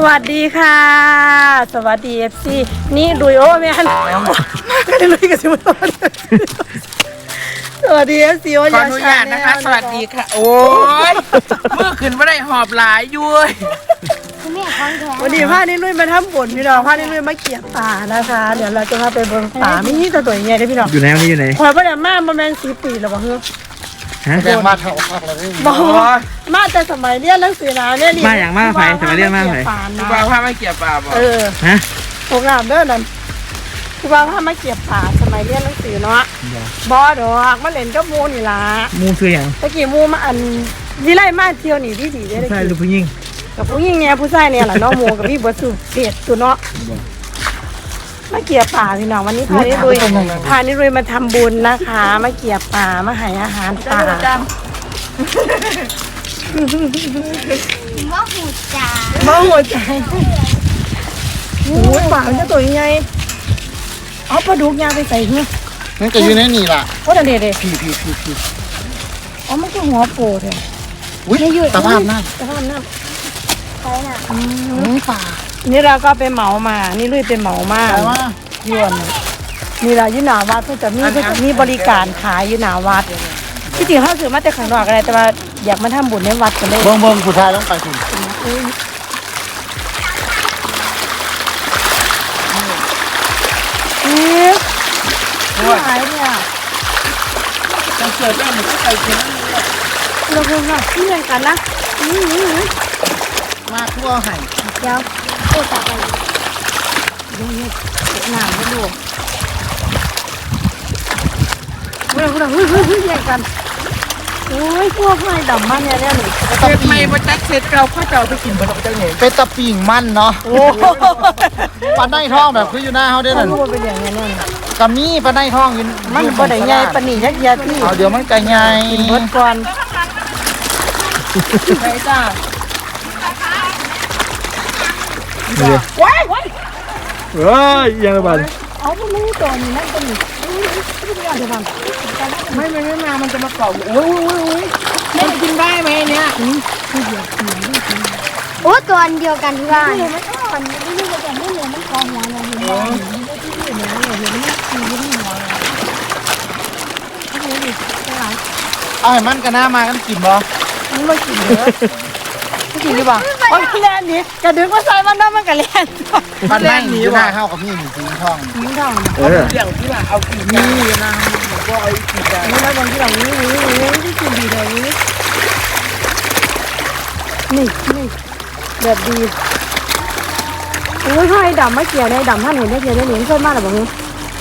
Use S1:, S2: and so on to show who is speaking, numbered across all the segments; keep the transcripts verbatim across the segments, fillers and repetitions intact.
S1: วัสดีค่ะสวัสดีเอฟซีนี่ดุยโอ้แม่นมากันเลยกันสิมาสวัสดีเอฟซีโอ้ย
S2: ขออนุญาตนะคะสวัสดีค่ะโอ้ยเมื่อคืนไม่ได้หอบหลายยุ้ย
S1: วันนี้พานี่ลุยมาทำบุญพี่น้องพานี่ลุยมาเกี่ยป่านะคะเดี๋ยวเราจะพาไปบนป่ามีนี่ตัวตัวใหญ่เลยพี่น้อง
S3: อยู่ไหนวันนี้อยู่ไหน
S1: คอยประเดี๋ยวมาประมาณสี่ปีแล้วบ่เฮ้ย
S3: ฮะ
S4: แรงมาเท่าพักเลย
S1: บอกมาแต่สมัยเรียนหนังสือนะเนี่ย
S3: มาอย่างมากไปสมัยเรียนมากไป
S2: ครูบาพามาเกี่ยวปลาบ่
S1: เออ
S3: ฮะ
S1: โรงแรมเด้อนั่นคือว่าพามาเก็บป่าสมัยเรียนหนังสือเนาะบอดอกมาเล่นกับหมูนี่ล่ะ
S3: มูคืออย่าง
S1: ตะกี้หมูมาอันวิไลมาเที่ยวนี่ดีดีได้ตะ
S3: ใช่หรือ
S1: กี้
S3: ผู้หญิง
S1: กับผู้หญิงเนี่ยผู้ชายเนี่ยแหละเนาะหมูกับพี่บัวสุเด็ดตัวเนาะมาเกี่ยป่าพี่น้องวันนี้พานิรุยพานิรุยมาทำบุญนะคะมาเกี่ยป่ามาให้อาหารป่า
S5: ว่าหูจ่า
S1: บ้าหัวใจโอ้ยป่ามันจะตัวยังไงเอาปลาดุกยางไปใส่เงี้ย
S4: นั่นก็อยู่ในนี่ล่ะ
S1: โอ้เด็ดเด็ด
S4: พี่พี่พี่พี่
S1: อ๋อมันคือหัวโปดเลย
S4: อุ้ยสภาพน้
S1: สภาพน้
S5: ใครน่ะ
S1: ำอืม
S4: ำป่า
S1: นี่เราก็ไปเหมามา นี่ลุยเป็นเหมามา
S4: แต่ว่า
S1: ยวนนี่เราอยู่หนาวัดเพื่อจะมีเพื่อจะมีบริการขายอยู่หนาวัดที่จริงเขาซื้อมาแต่ข้างนอกอะไรแต่ว่าอยากมาทำบุญในวัดกันเลย
S4: เบิ่งเบิ่งผู้ชายต้องไปถึง
S1: นี่ที่หายเนี่ย
S2: จะเกิดได้หมดก็ไปกิน
S1: เราเพิ่งว่าที่เรียนกันนะนี่นี่นี่
S4: มาทั่วไห่
S1: เดี๋ยว
S5: โอ้จ่าไป
S1: ดูนี่เก็บน้ำมาดูเฮ้ยเฮ้ยเฮ้ยเฮ้ยเฮ้ยเรียนกันโอ้ยพวกไฟดำมันเนี่ยเนี่ยหนู
S2: เสร็จไม่มาจัดเสร็จเราพ่อเจ้าไปกินบนเจ้าเนี่ย
S4: เป็นตะปิ่งมันเนาะ
S1: โอ้โห
S4: ปลาไนท้องแบบคืออยู่หน้าเขาได้
S1: มั
S4: นั่
S1: น
S4: น
S1: รู้ว่าเป็นอย่างนี้เนี่ย
S4: กะมีปลาไนท้องอยู่
S1: มันบ่ได้ใหญ่ปานนี้ยักษ์ยาที่
S4: เอาเดี๋ยวมันจะใหญ่
S1: กินเบิดก่อน
S2: ไปจ้า
S1: ว้ายว้าย
S3: เฮ้ยยังระบาด
S1: เอาพวกนี้ตัวนี้นั่นตัวนี้ไม่ได้เดี๋ยวมัน
S2: ไม่ไม่ไม่มามันจะมาเป่าโอ้ยโอ้ยโอ้ยแม่กินได้ไหมเนี่ย
S5: โอ้ตัวเดียวกันที่บ้าน
S1: มันก็มันไม่รู้ว่าจะไม่เหลือมันกองหัวเลยเห็นไหมมันไม่ที่เหลือเลยเห็นไหมมันคือยิ่งหัวเลยโอ้โหดิเท่าไหร่
S4: เอาให้มันกันหน้ามากันกินบ่
S1: มันไม่กินเยอะไม่กินดีกว่าโอ้ยแล่นนี่กระดึงก็ใส่มันน้ำมันกระแล่น
S4: ปลาไนอยู่หน้าเข้ากับพี่หนึ่งสีท้อง
S1: ทิ้งทอง
S3: เออ
S2: เรื่องที่ว่าเอากินนี่นะผมก็เอากินได้
S1: นี่แล้วบางทีเรานี้นี้นี้ที่กินดีเลยนี้นี่นี่แบบดีโอ้ยไฟดำไม่เกี่ยวในดำท่านเห็นได้เกี่ยวได้เห็นเพิ่มมากหรือเปล่าเนี่ย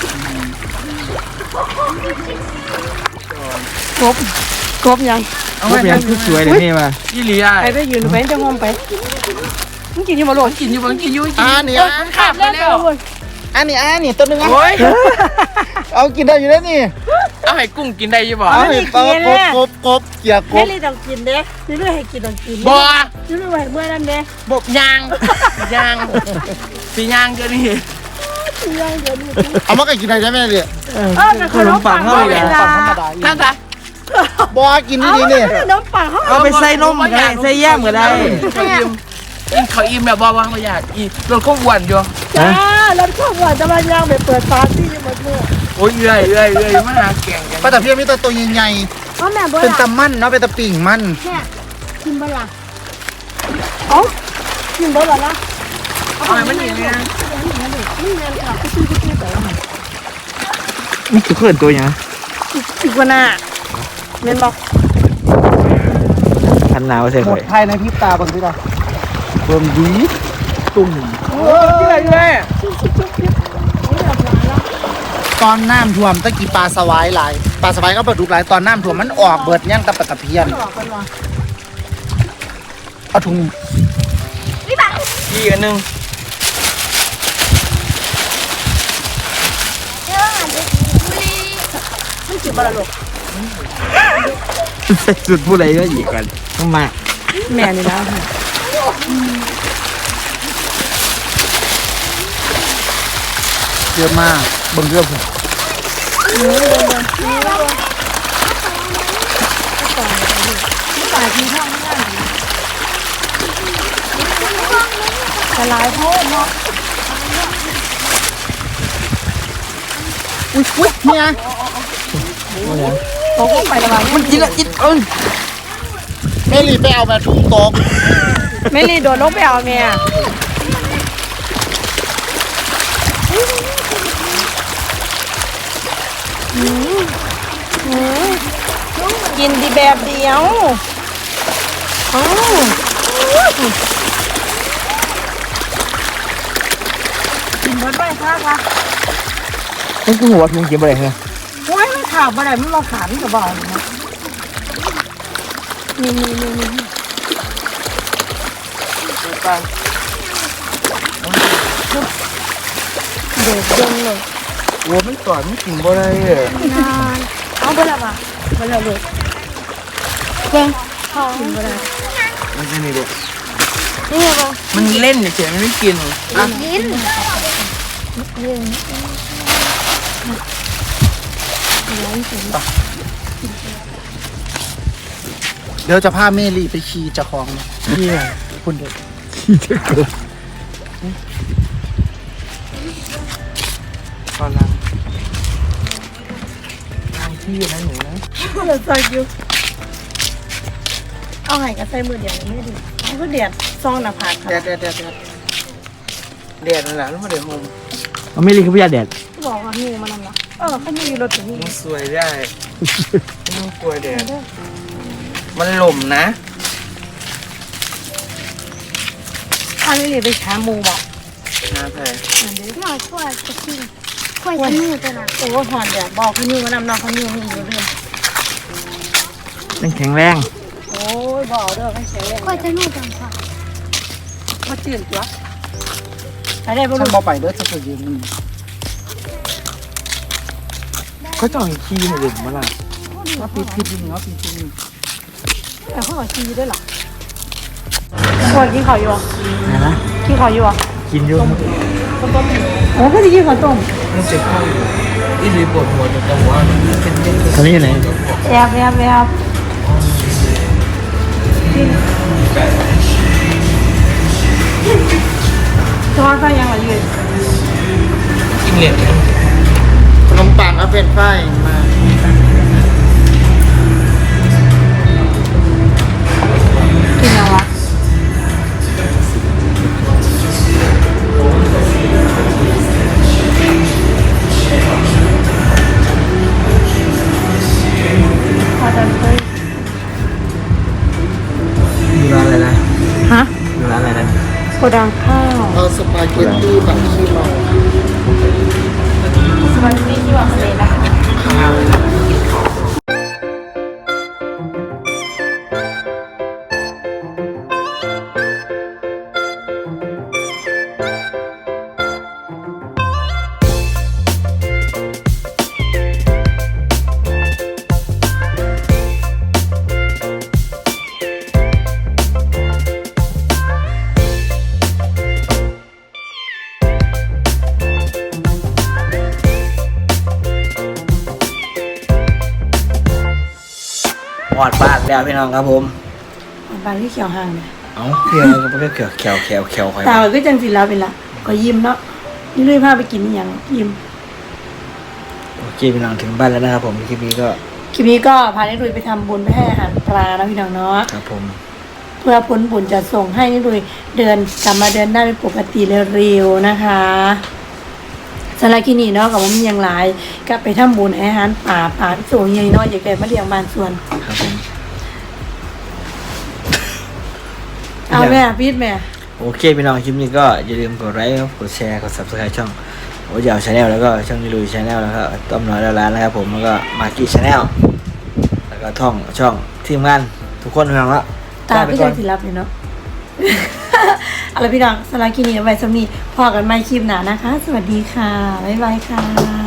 S1: กบกบยัง
S2: เอา
S3: รู
S2: ไว้
S3: ปยังคือสวยเลยนี่มา
S2: ยี่หลีอ่ะ
S1: ไปไปยืนไปจะงมไปมึงกินอยู่มาหลง
S2: กินอยู่บางกินอยู่กิน
S4: อ่านี่
S2: ขับไปแล้ว
S4: อันนี้อันนี้ตัวนึงอ่ะ
S2: โอ้ย
S4: เอากินได้อยู่แล้วนี่
S2: เอาให้กุ้งกินได้ยี่บ่
S4: เอาให้ปลากบกบกบเกี่ยก
S1: แม่
S4: บ
S1: เลยต้องกินเด้นี่เรื่องให้กินต้องกิน
S2: บ่
S1: นี่เรื่องให้เมื่อนั้นเด้
S2: บบยางยางสียางเดี๋ยวนี้
S1: ยังเดี๋ยวนี้
S4: เอามากันกินได้ใช่ไหมเนี่ย
S1: เออขนมปังเขาเลยนะ
S4: ปังธรรมดา
S2: ท่านจ้ะ
S4: บ่กินดีๆนี่
S1: ขนมปังเขา
S3: เอาไปใส่นมก็ได้ใส่แยมก็ได้
S2: เขาอิ่มอิ่มเขาอิ่มแบบว่าว่าเขาอยากอิ่มรถเขาอ้วนอยู่
S1: จ้าแล้วชอบว่าจะมาย่างไปเปิดปาร์ตี้หมดเมื่อ
S2: โอ้ยเอื่อยเอื่อยเอื่อยมาหาแก่งกัน
S4: ปลาตะเพียนมีแต่ตัวใหญ่
S5: เพราะแม่บ่
S4: ๆเป็น
S5: ล่ะ
S4: ตะมันเนาะเป็นตะปิ่งมัน
S5: เนี่ยกินบ่ล่ะ
S1: เอ้ากินบ่ล่ะนะ
S2: เอาไปมันอย่างนี้นะ
S1: นี่เงินค่ะก็ซื้อก็ซื้อแต่ละมัน
S3: นี่คือเขื่อนตัวยัง
S1: อีกวันน่ะเงินบอก
S3: พันหนาวใส่
S4: หม
S3: ข่อ
S4: ด
S3: ย
S4: ภายในพริบตาบางทีเราเบิ่มดีตุ่ม
S2: โอ้ยเอื่อยเอื่อย
S4: ตอนน้ำท่วมตะกี้ปลาสวายหลายปลาสวายก็ปลาดุกหลายตอนน้ำท่วมมันออกเบิดย่างตะปะตะเพียน
S1: บอกกันว่า
S4: เอาถุง
S2: อีกอันหนึ่ง
S1: ไม่กินบ่ล่ะลูก
S3: ใส่สุดผู้ใดก็อีกกันต้องมา
S1: แม่นี่นะ
S4: เยอะมากเบิ่งเรื่องผม
S1: ตายทีท่องไม่ได้
S5: เ
S1: จะลายโทษเนาะ
S4: อุ้ยอุ้ยเนี่ย
S1: ตกลงไประบาย
S3: มันกินละกินเอิ้น
S4: เมลี่ไปเอาแบบทุ่งตก
S1: ไม่รีโดดลงไปเอาเมียอืมอืมกินดีแบบเดียวอ๋อกินเบิดไปค่ะค่ะ
S3: มันคือหัวทุ่งกินบ่ได้เหรอ
S1: โอ้ยมันข่าวบ่ได้มันมาขามันก็บอกเลยนะนี่นี่นี่นี่เด็ดเด่นเลย
S3: หัวมันตอดมันกินบ่ได้เด้อน
S1: านเอาไปละป่ะไปละลูกเบิ่งท้องกินบ่ได้
S3: มันจะนี่เด้อ
S1: นี่ไงบ่
S2: มันเล่นเฉยๆมันไม่กิน
S5: กิน
S4: เดี๋ยวจะพาเมลี่ไปขี่เจ้าของ
S3: เหี้ย
S4: คุณเด็ก
S3: ขี้จะเกิดตอนนั้นทางที่นะหนูนะ
S1: เราใส่อยู่เอาไห้กับใส่มือเดียวไม่ดีมันก็เดียดซองหน้าผากค่ะ
S4: เด็ดเด็ดเด็ดเด็ด
S2: แดดนั่นแหละแล้วมาเดี๋ยวโฮม
S3: มันไม่รีคือพยาแดด
S1: บอกว่างูมันนั่นละเออเขามีอยู่รถถึงนี่
S2: มันสวยได้ไม่ต้องกลัวแดดมันหล่มนะ
S1: ถ้าไม่รีไปหาหมูบอก
S2: นะแพร
S1: นั่นเด้
S5: หน่อยขั้วจะกินขั้วจะมือตัวน่ะ
S1: โอ้หอนเดียบอกเขาอยู่มานำน้องเขาอยู่มีอยู่เด้อ
S3: มันแข็งแรง
S1: โอ้ยบอกเด้อให้เฉยเลย
S5: ขั้วจะมือจังค่ะ
S1: มาตื่นตัวไปได้บ่
S4: ฉั
S1: ลู
S4: น
S1: ก
S4: บอไปเด้อจะไปยืนนี่
S3: เขาต้องให้ขี้ให้เด่นมาล่ะ
S4: ว่าปีพิษนี่ว่าปีพิษนี่
S1: แต่เขาบอกกินอยู่ด้วยเหรอพ่อกินข้าวอยู่อ่ะ
S3: นะนะ
S1: กินข้าวอยู่อ่ะ
S3: กินอยู่
S1: โอ้ก็จะกินข้าวต้ม
S2: มันเจ็บข้ออยู่อีหลีปวดหัวแต่หัวมันเป็นเล่น
S3: ตอนนี้อยู่ไหน
S1: แอบแอบแอบจอใส่ยังไงยืน
S2: กินเหล็ก
S4: ขนมปังเอาเป็นไฟมา
S1: กินยังวะพอจะเคย
S3: อยู่ร้านอะไรนะ
S1: ฮะ
S3: อยู่ร้านอะไรนะ
S1: โกดังข้าว
S4: เอาสปาเกตตี้แบบขี้เมา
S1: สวัสดีที่ว่าทะเลนะคะ
S3: หอดบ้านแล้วพี่น้องครับผม
S1: บานที่เขียวห่างเนี่ย
S3: เอ้าเพียงก็ไม่เขียวเขียวเขียวเขียวใคร
S1: ตาก็จังสิแล้วเป็นละก็ยิ้มเนาะนี่เลยพาไปกินอหย่างยิ้ม
S3: โอเคพี่น้องถึงบ้านแล้วนะครับผมคลิปนี้ก็
S1: คลิปนี้ก็พานิรุยไปทำบุญไปให้อาหารปลานะพี่น้องเนาะ
S3: ครับผม
S1: เพื่อผลบุญจะส่งให้นิรุยเดินกลับมาเดินได้เป็นปกติเร็วๆนะคะสำหรับที่นี่เนาะกับผมยังหลายก็ไปทำบุญให้อาหารป่าป่าที่สูงใหญ่น้อยอยากได้มาเลี้ยงบ้านสวน
S3: ครับผม
S1: เอาแม่พีดแม่
S3: โอเคพี่น้องคลิปนี้ก็อย่าลืมกดไลค์กดแชร์กด ซับสไครบ์ช่องโอ้ยาวชาแนลแล้วก็ช่องนิลุยชาแนลแล้วก็ต้อมน้อยแล้วร้านนะครับผมแล้วก็มากี้ชาแนลแล้วก็ท่องช่องทีมงานทุกคนพี่น้องละ
S1: ตาพี่จังสิรับเลยเนาะ เอาละพี่น้องสำหรับคลิปนี้เอาไว้สำนีพอกันไม่คลิปหนานะคะ สวัสดีค่ะบ๊ายบายค่ะ